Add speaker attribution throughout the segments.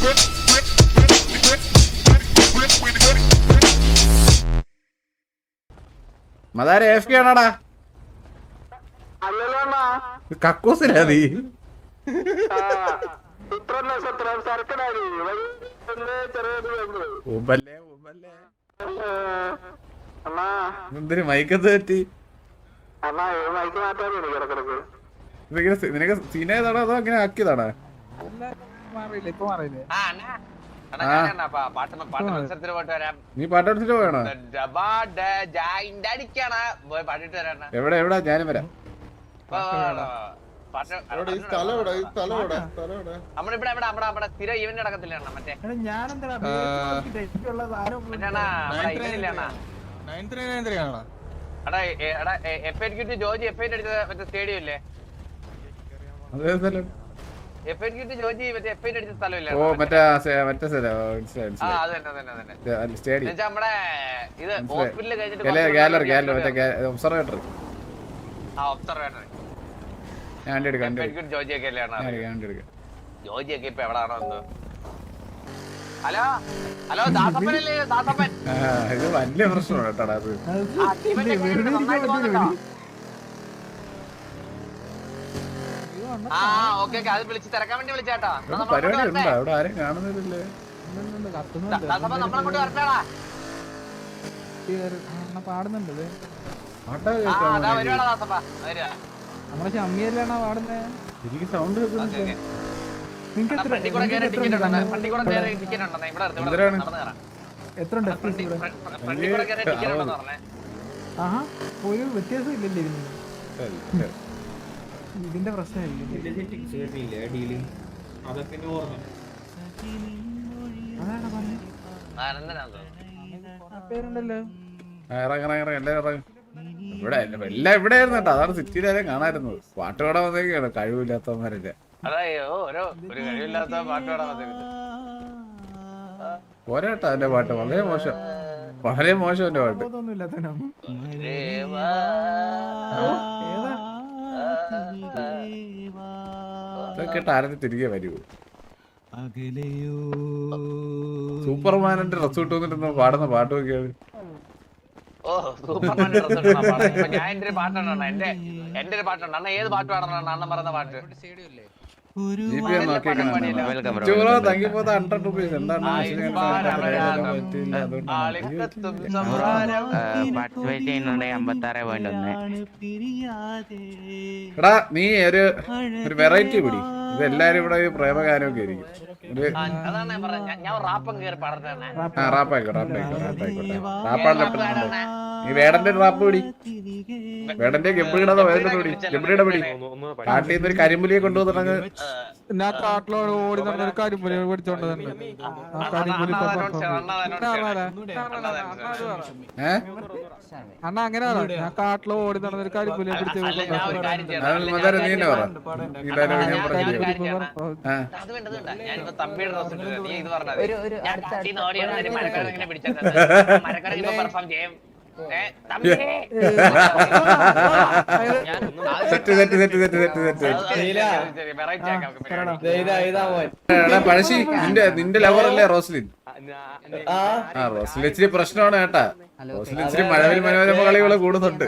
Speaker 1: മതാരെ AFK ആണോടാ? കക്കൂസിലാ നീ? എന്തിന് മൈക്കത്ത് പറ്റി? നിനക്ക് സീനായതാണോ അതോ അങ്ങനെ ആക്കിയതാണോ? നീ പാട്ട് പഠിച്ചിട്ട് പോയാണോ? എവിടെ എവിടാ? ഞാനും വരാം.
Speaker 2: സ്റ്റേഡിയം ഇല്ലേ?
Speaker 1: ഓ മറ്റേ ഒബ്സർവേറ്റർ.
Speaker 2: ജോജിയൊക്കെ ഇപ്പൊ എവിടാണോ എന്തോ. Hello hello ദാസപ്പനല്ലേ? ദാസപ്പൻ
Speaker 1: ഇത് വലിയ പ്രശ്നമാണ് കേട്ടാ. അത്
Speaker 2: അത് വിളിച്ച് തിരക്കാൻ വേണ്ടി വിളിച്ചാട്ടാ.
Speaker 1: പരിപാടി ഉണ്ടോ അവിടെ? ആരും കാണുന്നില്ലേ?
Speaker 2: നമ്മളങ്ങോട്ട് വരട്ടാടാ.
Speaker 3: പാടുന്നുണ്ട്
Speaker 2: നമ്മളെ
Speaker 3: ഷമ്മിയല്ലാണോ പാടുന്നേ?
Speaker 1: എനിക്ക് സൗണ്ട്
Speaker 3: എത്ര ഒരു വ്യത്യാസം ഇല്ലല്ലേ ഇതിന്റെ പ്രശ്നമായിരിക്കും. പേരുണ്ടല്ലോ
Speaker 1: ഇവിടെ എല്ലാം ഇവിടെ ആയിരുന്നു കേട്ടോ. അതാണ് സിറ്റിയിലായാലും കാണാറുന്നത്. പാട്ട് പാടാൻ വന്നേക്കാണ് കഴിവില്ലാത്തവന്മാരല്ലേ. പോരാട്ടോ എന്റെ പാട്ട് വളരെ മോശം, വളരെ മോശം എന്റെ പാട്ട്. കേട്ട ആരും തിരികെ വരൂ. സൂപ്പർമാനിന്റെ ഡ്രസ് ഇട്ട് വന്നിട്ട് പാടുന്ന പാട്ട് നോക്കിയാണ്.
Speaker 2: എന്റെ ഒരു പാട്ടുണ്ട്. ഏത് പാട്ട് പാടണം? അണ്ണൻ പറയുന്ന പാട്ട്.
Speaker 1: എടാ നീ ഒരു വെറൈറ്റി പിടി. ഇതെല്ലാരും ഇവിടെ പ്രേമഗാനമൊക്കെ ആയിരിക്കും. നീ വേടന്റെ റാപ്പ് പിടി. വേടന്റെ ഗബ്രിയുടെ പിടി. ഗബ്രിയുടെ പിടി. കാട്ടിൽ നിന്ന് ഒരു കരിമ്പുലിയെ കൊണ്ടുവന്നിട്ട്
Speaker 3: ഞാൻ കാട്ടിലോട് ഓടി നടന്നൊരു കരിമ്പുലി പിടിച്ചോണ്ട് അണ്ണ അങ്ങനെ ഞാൻ കാട്ടിലോ ഓടി നടന്നൊരു കരിമ്പുലിയെ പിടിച്ചു.
Speaker 1: പഴശ്ശി നിന്റെ ലവറല്ലേ റോസ്ലിൻ? റോസ്ലിൻ ഇച്ചിരി പ്രശ്നമാണ് കേട്ടാ. റോസ്ലിൻ ഇച്ചിരി മഴവിൽ മനോരമ കളികള് കൂടുന്നുണ്ട്.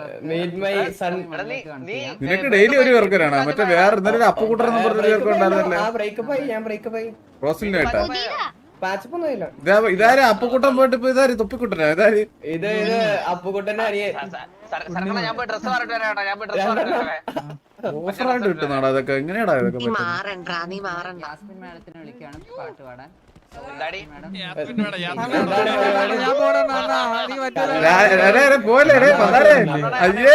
Speaker 1: നിനക്ക് ഡെയിലി ഒരു പേർക്കാണ്. മറ്റേ വേറെ ഇന്നലെ അപ്പുകൂട്ടറെന്ന് പറഞ്ഞൊരു പേർക്ക് ഉണ്ടായിരുന്നല്ലേ റോസ്ലിന് കേട്ടാ. ഇതാര് അപ്പുക്കുട്ടൻ പോയിട്ട് ഇപ്പൊ ഇതാര് തൊപ്പിക്കുട്ടനാ? ഇതാര്?
Speaker 4: ഇത് അപ്പുക്കുട്ടനെ
Speaker 1: ഓഫറായിട്ട് കിട്ടുന്നാടാ അതൊക്കെ? എങ്ങനെയാടാ ഇതൊക്കെ? പോലെ അയ്യേ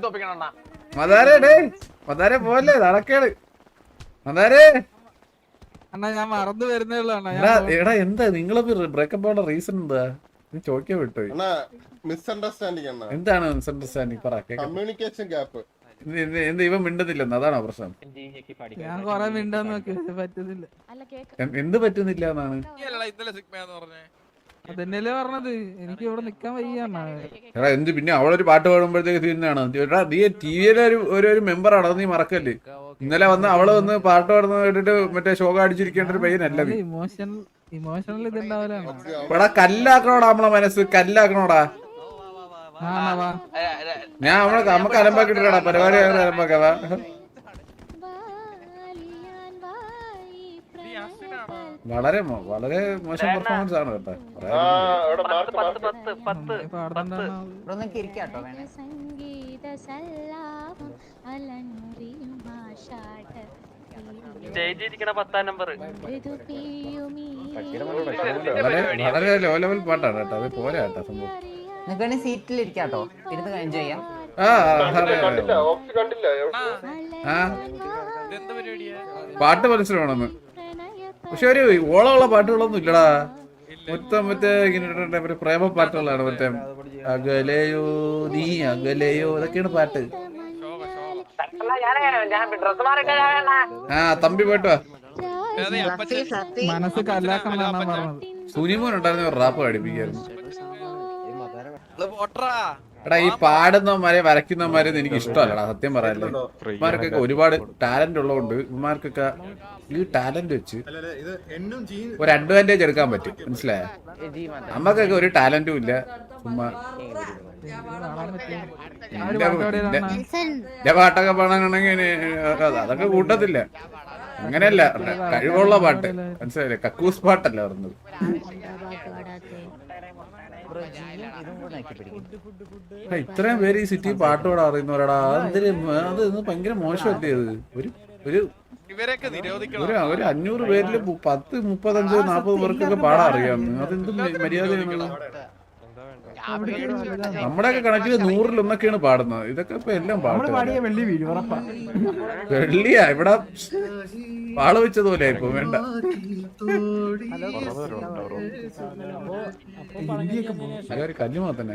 Speaker 1: മതാരെ പോലെ നടക്കേട്. മതാരെ
Speaker 3: അണ്ണാ ഞാൻ മറന്നു വരുന്നേ ഉള്ളൂ.
Speaker 1: എടാ എന്താ നിങ്ങള് ബ്രേക്കപ്പ് ആവുന്ന റീസൺ എന്താ? നീ ചോദിക്കാൻ വിട്ടുപോയി.
Speaker 5: മിസ്അണ്ടർസ്റ്റാൻഡിംഗ്
Speaker 1: എന്താണ് മിസ്അണ്ടർസ്റ്റാൻഡിംഗ്? പറ.
Speaker 5: Communication gap.
Speaker 1: എന്ത് ഇവൻ മിണ്ടുന്നില്ലെന്ന്? അതാണോ പ്രശ്നം?
Speaker 3: ഞാൻ കൊറേ മിണ്ടാൻ നോക്കി പറ്റുന്നില്ല.
Speaker 1: എന്ത് പറ്റുന്നില്ല എന്നാണ്?
Speaker 3: അതന്നെയല്ലേ പറഞ്ഞത്, എനിക്ക് ഇവിടെ നിക്കാൻ വയ്യാന്നാ.
Speaker 1: എടാ എന്ത് പിന്നെ അവളൊരു പാട്ട് പാടുമ്പോഴത്തേക്ക് തീരുന്നതാണ്. എടാ നീ ടിവിയിലെ ഒരു മെമ്പറാണ്, അത് നീ മറക്കല്ലേ. ഇന്നലെ വന്ന് അവള് വന്ന് പാട്ട് പാടുന്ന കേട്ടിട്ട് മറ്റേ ശോക അടിച്ചിരിക്കേണ്ട ഒരു പയ്യനല്ല നീ.
Speaker 3: ഇമോഷണൽ ഇതുണ്ടാവലാണ്.
Speaker 1: എടാ കല്ലാക്കണോടാ നമ്മളെ മനസ്സ്, കല്ലാക്കണോടാ. ഞാൻ നമുക്ക് അലമ്പാക്കിട്ടാ പരിപാടി അലമ്പാക്കാവാ. വളരെ വളരെ മോശം പെർഫോമൻസ് ആണ് കേട്ടോ. വളരെ ലോ ലെവൽ പാട്ടാണ് കേട്ടോ, അത് പോരാ കേട്ടോ സംഭവം.
Speaker 6: സീറ്റിലിരിക്കാട്ടോ, ഇരുന്ന് എൻജോയ് ചെയ്യാം.
Speaker 1: പാട്ട് മനസ്സിലാവണമെന്ന്, പക്ഷെ ഒരു ഓളമുള്ള പാട്ടുകളൊന്നും ഇല്ലടാ. മൊത്തം മറ്റേ ഇങ്ങനെ പ്രേമ പാട്ടുകളാണ്. മറ്റേ അകലയോ നീ അകലയോ ഇതൊക്കെയാണ് പാട്ട്. തമ്പി പോയിട്ട്
Speaker 3: മനസ്സ് കല്ലാക്കണമെന്നാണ് പറഞ്ഞത്.
Speaker 1: സുനിമോൻ ഉണ്ടായിരുന്ന റാപ്പ് പഠിപ്പിക്കായിരുന്നു. എടാ ഈ പാടുന്നവന്മാരെ വരയ്ക്കുന്നവന്മാരെ എനിക്ക് ഇഷ്ടമല്ലടാ സത്യം പറയാല്ലേ. ഇവന്മാർക്കൊക്കെ ഒരുപാട് ടാലന്റ് ഉള്ളതുകൊണ്ട് ഇവന്മാർക്കൊക്കെ ഈ ടാലന്റ് വെച്ച് ഒരു അഡ്വാൻറ്റേജ് എടുക്കാൻ പറ്റും, മനസ്സിലായ? നമ്മക്കൊക്കെ ഒരു ടാലന്റും ഇല്ല. ചുമ്മാ പാട്ടൊക്കെ പാടാനാണെങ്കിൽ അതൊക്കെ കൂട്ടത്തില്ല. അങ്ങനെയല്ല, കഴിവുള്ള പാട്ട് മനസ്സിലായില്ലേ, കക്കൂസ് പാട്ടല്ല പറഞ്ഞത്. ഇത്രയും പേര് ഈ സിറ്റി പാട്ട് പാടാൻ അറിയുന്നവരാടാ. അത് ഭയങ്കര മോശമല്ലേ അത്. ഒരു 500 പേരില് 10, 35, 40 പേർക്കൊക്കെ പാടാൻ അറിയാം. അതെന്ത് മര്യാദയാണ്. നമ്മുടെയൊക്കെ കണക്കിൽ 100-1 പാടുന്നത്. ഇതൊക്കെ ഇപ്പൊ എല്ലാം പാട്ട് വെള്ളിയാ ഇവിടെ പാള വെച്ചതുപോലെ ഇപ്പൊ വേണ്ട. ഒരു കല്ലുമാ തന്നെ.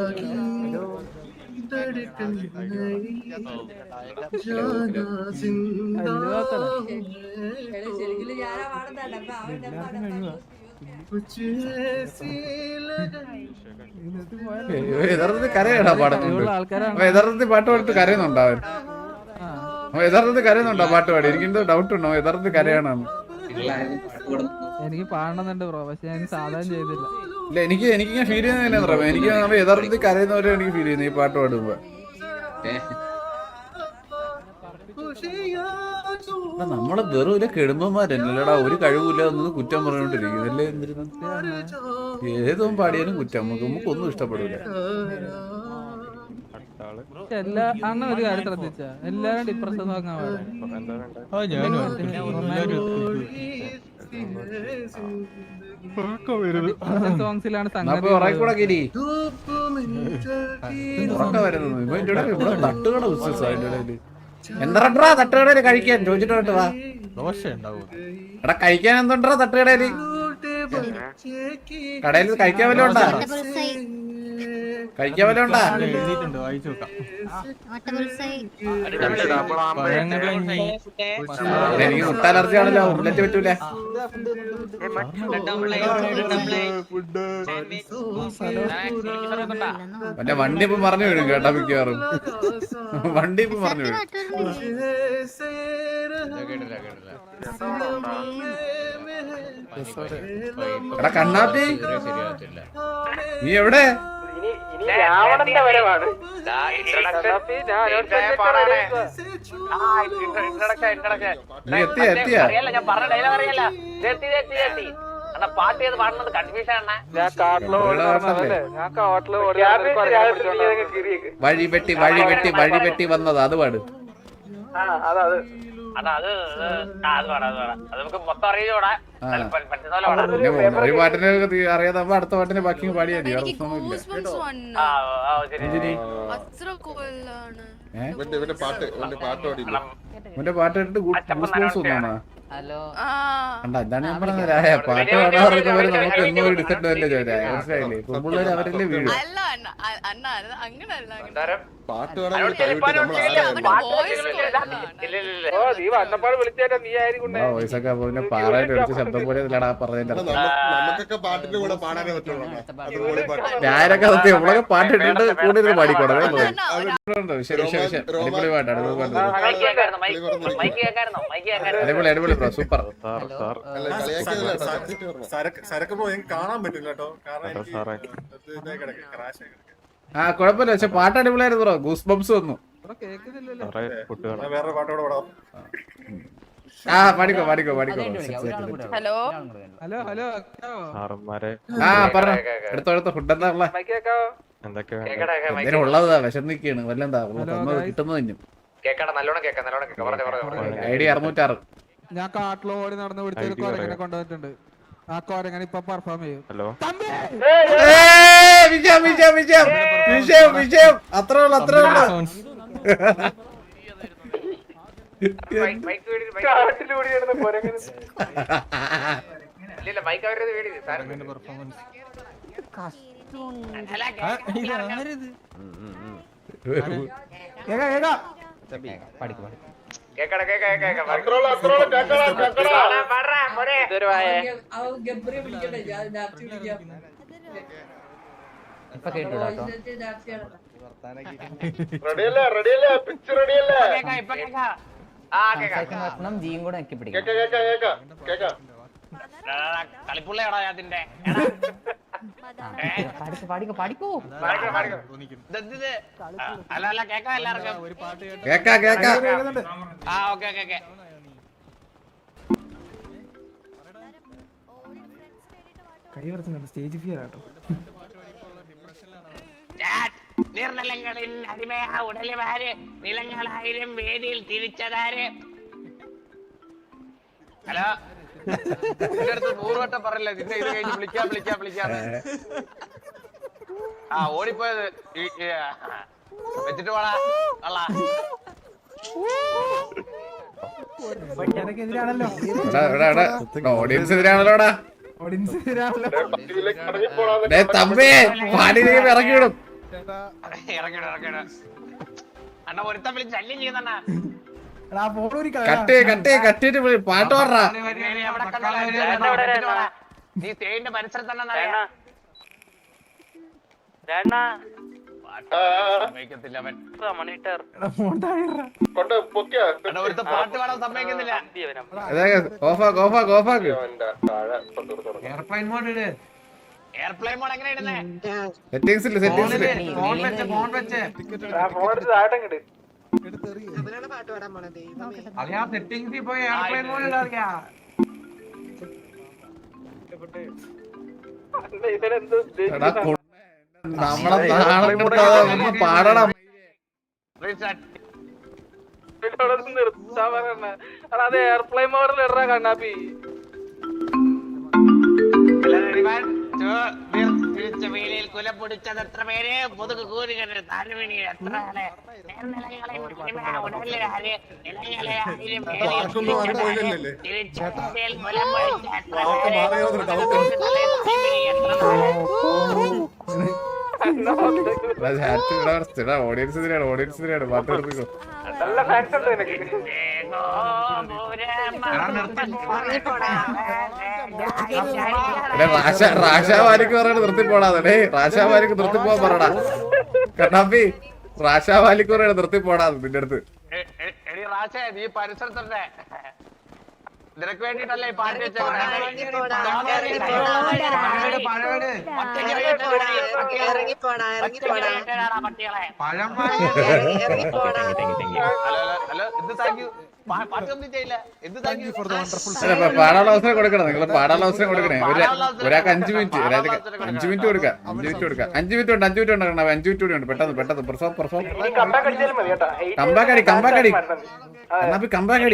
Speaker 1: യഥാർത്ഥത്തിൽ കരയാടാ പാടുന്നുണ്ട്. യഥാർത്ഥത്തിൽ പാട്ട് പാടിട്ട് കരയുന്നുണ്ടാവൻ. യഥാർത്ഥത്തിൽ കരയുന്നുണ്ടോ പാട്ട് പാടി? എനിക്കെന്തോ ഡൗട്ട് ഉണ്ടോ യഥാർത്ഥത്തിൽ കരയാണെന്ന്.
Speaker 3: എനിക്ക് പാടണമെന്നുണ്ട് ബ്രോ, പക്ഷെ ഞാൻ സാധാരണ ചെയ്തില്ല.
Speaker 1: ഇല്ല എനിക്കിങ്ങനെ ഫീൽ ചെയ്യുന്ന എനിക്ക് യഥാർത്ഥത്തിൽ കരയുന്നവരെ എനിക്ക് ഫീൽ ചെയ്യുന്നു ഈ പാട്ട് പാടുമ്പോ. നമ്മളെ വെറും ഇല്ല കെടുമ്പന്മാരല്ലടാ, ഒരു കഴിവില്ല ഒന്ന് കുറ്റം പറഞ്ഞോണ്ടിരിക്കും അല്ലേ. ഏതോ പാടിയാലും കുറ്റം, നമുക്കൊന്നും ഇഷ്ടപ്പെടില്ല.
Speaker 3: അണ്ണ ഒരു കാര്യം ശ്രദ്ധിച്ച, എല്ലാരും ഡിപ്രഷൻ സോങ്ങാ സോങ്സിലാണ് തട്ടുകട ബിസിനസ് അതിന്റെ ഇടയില്. എന്താ തട്ടുകടയില് കഴിക്കാൻ ചോദിച്ചിട്ട് വാ. എടാ കഴിക്കാൻ എന്തുണ്ടാ തട്ടുകടയില്? കടയിൽ കഴിക്കാൻ വല്ല ഉണ്ടാ? കഴിക്കാൻ വല്ല ഉണ്ടാ? എനിക്ക് മുട്ട അലർജി ആണല്ലോ, ഉള്ളറ്റ് പറ്റൂല. മറ്റേ വണ്ടി ഇപ്പം പറഞ്ഞു വിടും കേട്ടാ, മിക്കവാറും വണ്ടി ഇപ്പം പറഞ്ഞു വിടും. എടാ കണ്ണാപ്പി നീ എവിടെ? നീ എത്തിയാ?
Speaker 2: പാട്ട് ചെയ്ത് പാടുന്നത് കൺഫ്യൂഷൻ ആണ്.
Speaker 1: വഴി വെട്ടി വന്നത് അത് പാട്. ഒരു പാട്ടിനെ അറിയാതെ അടുത്ത പാട്ടിനെ ബാക്കി പാടിയാൽ മതി.
Speaker 5: ഇവന്റെ പാട്ട് പാടില്ല.
Speaker 1: അവന്റെ പാട്ട് കേട്ടിട്ട് ഗൂസ് തോന്നാ.
Speaker 6: ഹലോ
Speaker 1: കണ്ട എന്താണ് ഞാൻ പറഞ്ഞത് രായ പാട്ട് പാടാൻ പറയുന്നവര് നമുക്ക് എന്തോ ഒരു ഡിസഡ്വാൻറ്റേജ് വരാ മനസ്സിലായില്ലേ? പെൺപിള്ളേര് അവരല്ലേ വീഴും.
Speaker 7: അല്ല അണ്ണ അണ്ണ അങ്ങനല്ല
Speaker 5: പാട്ട് പാടാൻ
Speaker 1: വോയിസ് ഒക്കെ അപ്പൊ പിന്നെ പാറായിട്ട് അടിച്ച ശബ്ദം പോലെ ഇല്ലടാ പറഞ്ഞതിന്റെ അർത്ഥം.
Speaker 5: നമുക്കൊക്കെ പാട്ടിന്റെ കൂടെ പാടാനേ പറ്റുള്ളൂ. അതുപോലെ പാട്ട്
Speaker 1: ഞാനൊക്കെ സത്യം നമ്മളൊക്കെ പാട്ട് ഇട്ടിട്ട് കൂടുതൽ പാടിക്കോട്ടെ. ശരി ശരി ശരി അടിപൊളി പാട്ടാണ് അടിപൊളി അടിപൊളി ബ്രോ സൂപ്പർ.
Speaker 5: സരക്ക് പോയി കാണാൻ പറ്റില്ല കേട്ടോ.
Speaker 1: ആ കുഴപ്പമില്ല പക്ഷെ പാട്ട് അടിപൊളിയായിരുന്നു ബ്രോ. ഗൂസ് ബംസ് വന്നു.
Speaker 5: വേറെ പാട്ടോടെ പാടാം.
Speaker 1: ആ പാടിക്കോ പാടിക്കോ പാടിക്കോ.
Speaker 7: ഹലോ
Speaker 1: ആ പറഞ്ഞോ എടുത്തോ എടുത്തോ. ഫുഡ് എന്താ ഉള്ള എന്തിനും ഉള്ളതാ വിശന്നിക്കാണ് വല്ലെന്താ കിട്ടുന്നത് തന്നെയും. ഐഡി 606.
Speaker 8: ഞാൻ കാട്ടിലോടി നടന്ന് പിടിച്ചൊരു കൊരങ്ങനെ കൊണ്ടുവന്നിട്ടുണ്ട്. ആ കൊരങ്ങനെ ഇപ്പൊ പെർഫോം ചെയ്യും.
Speaker 1: വിജയം വിജയം വിജയം വിജയം വിജയം. അത്രേ ഉള്ളു അത്രേ ഉള്ളു.
Speaker 6: ഇപ്പൊ കേട്ടോ ജിയും കൂടെ നോക്കി പിടിക്കും.
Speaker 2: കളിപ്പുള്ളയാടാ അതിന്റെ
Speaker 6: പാടിക്കോ പാടിക്കോ.
Speaker 2: അല്ല അല്ല കേക്കാം എല്ലാവർക്കും.
Speaker 1: കേക്കാ കേക്കാ.
Speaker 2: ആ okay okay okay.
Speaker 8: Stage fear ആട്ടോ.
Speaker 2: നീർനിലങ്ങളിൽ അടിമയാ ഉടലുമാര് നിലങ്ങളായിരം വേദിയിൽ തിരിച്ചതാര്. ഹലോ എന്റെ അടുത്ത് 100 വട്ടം പറയില്ല നിന്നെ ഇത് കഴിഞ്ഞ് വിളിക്കാം വിളിക്കാം വിളിക്കാം. ആ ഓടിപ്പോയത് വെച്ചിട്ട് പോടാ അള്ളാ.
Speaker 1: ഓഡിയൻസ് എതിരാണല്ലോടാ. തമ്പി പാടിയിലേക്ക് ഇറക്കി വിടും.
Speaker 2: ഇറങ്ങിട ഇറങ്ങിട അണ്ണ ഒരുത്തം വിളിച്ച് ശല്യം ചെയ്യുന്നണ്ണ.
Speaker 1: കട്ട് കട്ട് കട്ടിട്ട് പാട്ട് പാടാ.
Speaker 2: നീ തേന്റെ പരിസരത്ത് തന്നെ സമ്മതിക്കത്തില്ല അവൻ. ഒരുത്ത പാട്ട് പാടാൻ സമ്മതിക്കുന്നില്ല.
Speaker 1: ഓഫാക്ക്.
Speaker 2: എയർപ്ലെയിൻ മോഡ് എങ്ങനെ ഇടുന്നേ?
Speaker 1: സെറ്റിംഗ്സിൽ സെറ്റിംഗ്സിൽ
Speaker 2: സെറ്റിംഗ്സിൽ പോയി എയർപ്ലെയിൻ മോഡ് ഇടാറിയാ.
Speaker 1: നമ്മളെ പാടണം.
Speaker 8: അത് എയർപ്ലെയിൻ മോഡൽ ഇടാ കണ്ണാപ്പി.
Speaker 2: വേലിയിൽ കുല പൊടിച്ചത് എത്ര പേര് മുതുക് കൂരുകരുത് താഴ്വീണി എത്ര
Speaker 1: ഓഡിയൻസിനാണ് ഓഡിയൻസിനാണ് പാട്ട് കൊടുപ്പിക്കോ. റാഷാവാലിക്ക് പറയണ നിർത്തിപ്പോടാതെ. റാഷാവാലിക്ക് നിർത്തിപ്പോവാൻ പറയടാ കണ്ണാപ്പി. റാഷാവാലിക്ക് പറയണ നിർത്തിപ്പോടാതെ നിന്റെ അടുത്ത്.
Speaker 2: നീ പരിസരത്തല്ലേ നിനക്ക് വേണ്ടിട്ടല്ലേ ഈ പാട്ട്
Speaker 1: പാടാനുള്ള അവസരം കൊടുക്കണം. നിങ്ങൾ പാടാനുള്ള അവസരം കൊടുക്കണേ. ഒരാൾക്ക് 5 മിനിറ്റ് 5 മിനിറ്റ് കൊടുക്കാം. 5 മിനിറ്റ് കൊടുക്കാം. 5 മിനിറ്റ് ഉണ്ട് 5 മിനിറ്റ് ഉണ്ട് 5 മിനിറ്റ് കൂടി ഉണ്ട്. പെട്ടെന്ന് പെട്ടെന്ന് പെർഫോം കമ്പാക്കടി കമ്പാക്കടി കണ്ണാപ്പി കമ്പാക്കടി.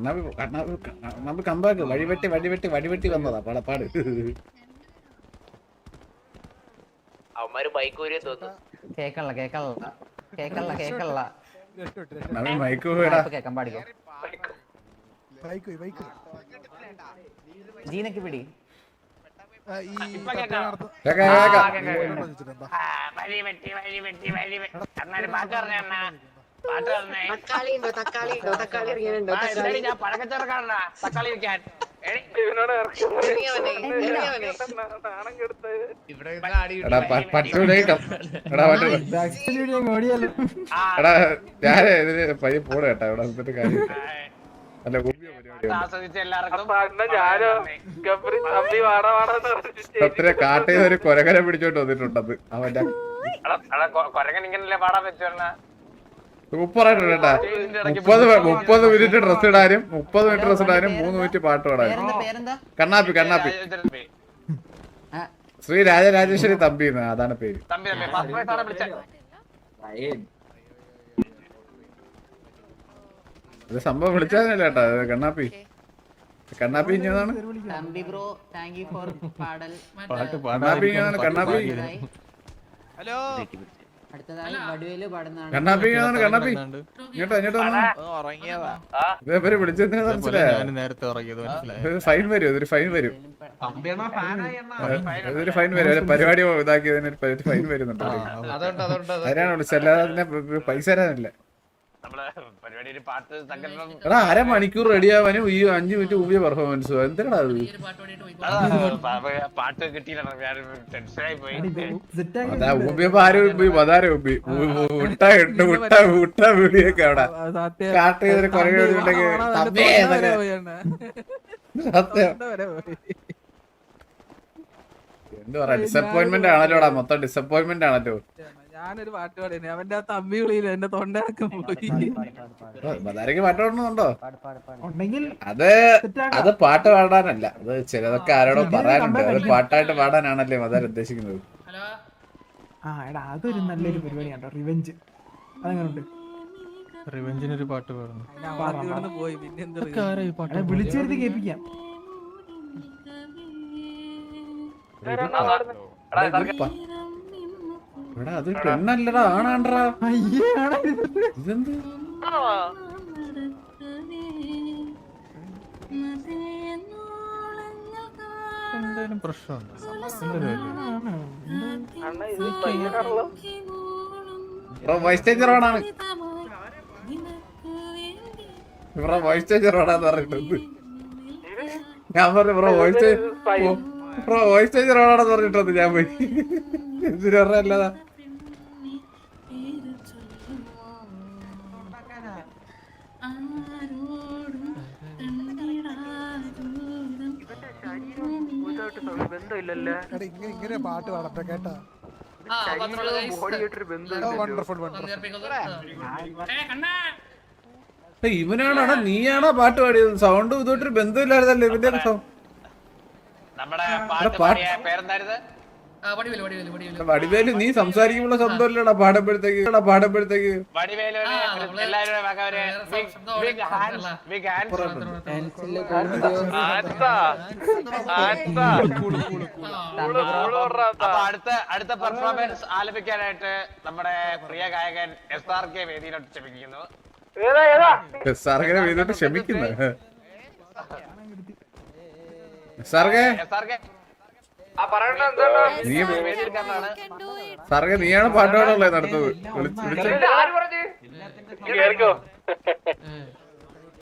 Speaker 1: നമുക്ക് കമ്പാക്ക് വഴിവെട്ടി വന്നതാ പാട്.
Speaker 2: അവന്മാര് ബൈക്ക് ഊരിയെ തോന്നുന്നു.
Speaker 6: കേക്കള്ള
Speaker 1: നവി മൈക്ക് പോയടാ.
Speaker 6: കേക്കാൻ പാടിക്കോ ജീനക്ക് പിടി
Speaker 2: ഇപ്പൊ കേക്കാം. വഴി വെട്ടി അണ്ണാ പാട്ട് പറഞ്ഞ അണ്ണാ പാട്ട് പറഞ്ഞേ. ഞാൻ പഴക്കച്ചവടക്കാരനാ തക്കാളി വെക്കാൻ.
Speaker 1: എടാ പറ്റൂലേ എടാ ഞാനേ ഇതിന് പയ്യെ പോണ കേട്ടാ ഇവിടെ വന്നിട്ട് കാര്യം അല്ല
Speaker 2: ആസ്വദിച്ച എല്ലാവർക്കും
Speaker 1: സത്യത്തിലെ കാട്ടിൽ ഒരു കൊരകര പിടിച്ചോണ്ട് വന്നിട്ടുണ്ടത് അവന്റെ
Speaker 2: കൊരങ്ങൻ ഇങ്ങനല്ലേ പാടാൻ പറ്റുന്ന
Speaker 1: സൂപ്പറായിട്ടുണ്ട് കേട്ടാ. 30 മിനിറ്റ് ഡ്രസ് ഇടാനും 30 മിനിറ്റ് ഡ്രസ് ഇടാനും 3 മിനിറ്റ് പാട്ട് പാടാനും. കണ്ണാപ്പി ശ്രീ രാജരാജേശ്വരി തമ്പി അതാണ് പേര്. ഇത് സംഭവം വിളിച്ചാലേ കേട്ടാ കണ്ണാപ്പി ഇഞ്ഞതാണ്. കണ്ണാപ്പി ഇഞ്ഞതാണ് കണ്ണാപ്പി ഇങ്ങോട്ട് ഇതേപോലെ വിളിച്ചതിന് മനസ്സിലായോ? ഫൈൻ വരും, ഇതൊരു ഫൈൻ വരും, പരിപാടി ഇതാക്കിയതിന് ഫൈൻ വരുന്നുണ്ട്. അതിനാണ് വിളിച്ചത്, അല്ലാതെ അതിനെ പൈസ തരാനില്ല. എടാ 1/2 മണിക്കൂർ റെഡിയാവാനും ഈ 5 മിനിറ്റ് മുമ്പേ പെർഫോമൻസ് എന്തിനാ അത്?
Speaker 2: പാട്ട് കിട്ടിയില്ല,
Speaker 1: അതാ ഊമ്പിയപ്പോ ആരും മുട്ട വീടിയൊക്കെ അവിടെ കാട്ട് ചെയ്തൊരു കുറവുണ്ടെങ്കിൽ സത്യം എന്ത് പറയാ, ഡിസപ്പോയിന്റ്മെന്റ് ആണല്ലോടാ, മൊത്തം ഡിസപ്പോയിന്റ്മെന്റ് ആണല്ലോ.
Speaker 8: ഞാനൊരു പാട്ട് പാടി, അവന്റെ ആ തമ്പി വിളിയില്ല, എന്റെ തൊണ്ടയൊക്കെ പോയി.
Speaker 1: ബദാരക്ക് പാട്ട് പാടണമെന്നുണ്ടോ? അത് പാട്ട് പാടാനല്ല, അത് ചിലതൊക്കെ ആരോടോ പറയാനുണ്ട്, അത് പാട്ടായിട്ട് പാടാനാണല്ലേ മദാർ ഉദ്ദേശിക്കുന്നത്.
Speaker 9: അതൊരു നല്ലൊരു പരിപാടിയാണോ റിവെഞ്ച്. അതെങ്ങനെയുണ്ട്?
Speaker 8: റിവെഞ്ചിനൊരു പാട്ട് പാടുന്നു പോയി, പിന്നെ എന്താ
Speaker 9: വിളിച്ചെടുത്ത് കേൾപ്പിക്കാം.
Speaker 1: എടാ അത് പെണ്ണല്ലടാ, ആണാണ്ടടാ. ഇതെന്ത്
Speaker 8: എന്തായാലും പ്രശ്നമുണ്ട്.
Speaker 1: വോയിസ് ചേഞ്ചർ ഓണാണ്, ഇവിടെ വോയിസ് ചേഞ്ചർ ഓണാന്ന് പറഞ്ഞിട്ടുണ്ട്. ഞാൻ പറഞ്ഞു വോയിസ് ചേഞ്ചർ ഓണാണെന്ന് പറഞ്ഞിട്ടുണ്ട്. ഞാൻ പോയി എന്തിനു പറഞ്ഞല്ലാതാ.
Speaker 9: ഇങ്ങനെ പാട്ട് പാടട്ടെ കേട്ടാ.
Speaker 1: ഇവനാണോ നീയാണോ പാട്ട് പാടിയത്? സൗണ്ട് ഇതോട്ടൊരു ബന്ധമില്ലായിരുന്നല്ലോ ഇവന്റെ സൗണ്ട്. വടിവേല് നീ സംസാരിക്കുമ്പോൾ ശബ്ദമല്ലടാ പാടുമ്പോഴത്തേക്ക്.
Speaker 2: അടുത്ത പെർഫോമൻസ് ആലപിക്കാനായിട്ട് നമ്മുടെ പ്രിയ ഗായകൻ SRK വേദിയിലോട്ട് ക്ഷമിക്കുന്നു.
Speaker 1: നീയാണ് പാട്ട് പാടുള്ളത് നടത്തത്.